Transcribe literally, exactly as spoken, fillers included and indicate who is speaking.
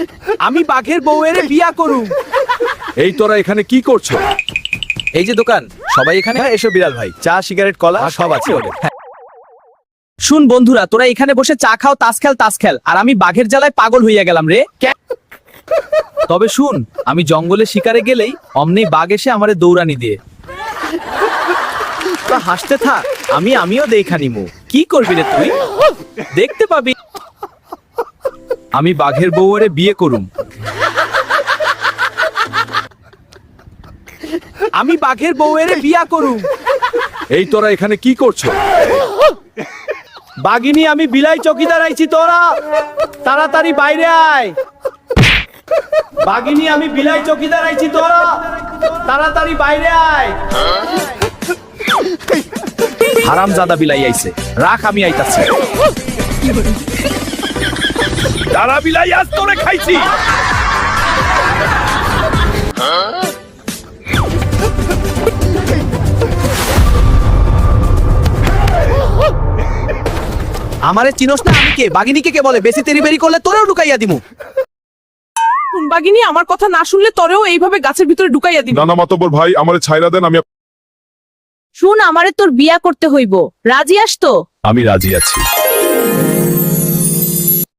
Speaker 1: আমি বাঘের বউয়ের বিয়া করুম।
Speaker 2: এই তোরা এখানে কি করছো?
Speaker 1: এই যে দোকান, সবাই এখানে।
Speaker 3: হ্যাঁ এসো বিড়াল ভাই, চা সিগারেট কলা সব আছে ওদের।
Speaker 1: হ্যাঁ। শুন বন্ধুরা, তোরা এখানে বসে চা খাও, তাস খেল তাস খেল, আর আমি বাঘের জ্বালায় পাগল হইয়া গেলাম রে। তবে শুন, আমি জঙ্গলে শিকারে গেলেই অমনি বাঘ এসে আমারে দৌড়ানি দিয়ে।
Speaker 3: তোরা হাসতে থাক, আমি আমিও দেখা নিমু।
Speaker 1: কি করবি রে তুই? দেখতে পাবি। আমি বাঘের বউয়ের বিয়ে করুম। আমি বাঘের বউয়ের বিয়া করুম।
Speaker 2: এই তোরা এখানে কি করছো?
Speaker 3: বাঘিনী আমি বিলাই চকিদার আইছি, তোরা তাড়াতাড়ি বাইরে আয়। বাঘিনী আমি বিলাই চকিদার আইছি, তোরা তাড়াতাড়ি বাইরে আয়।
Speaker 1: হারামজাদা বিলাই আইছে, রাখ আমি আইতাছি।
Speaker 2: দাঁড়া বিলাই, আজ তোরে খাইছি।
Speaker 1: আমারে চিনোস না? আমি কে? বাঘিনীকে কে বলে? বেশি তেরি বেরি করলে তোরেও ঢুকাইয়া দিমু।
Speaker 4: বাঘিনী আমার কথা না শুনলে তোরেও এইভাবে গাছের ভিতরে ঢুকাইয়া দিবি।
Speaker 5: নানা মাতব্বর ভাই, আমারে ছাইরা দেন, আমি
Speaker 6: শুন, আমারে তোর বিয়া করতে হইব, রাজি আস তো?
Speaker 2: আমি রাজি আছি।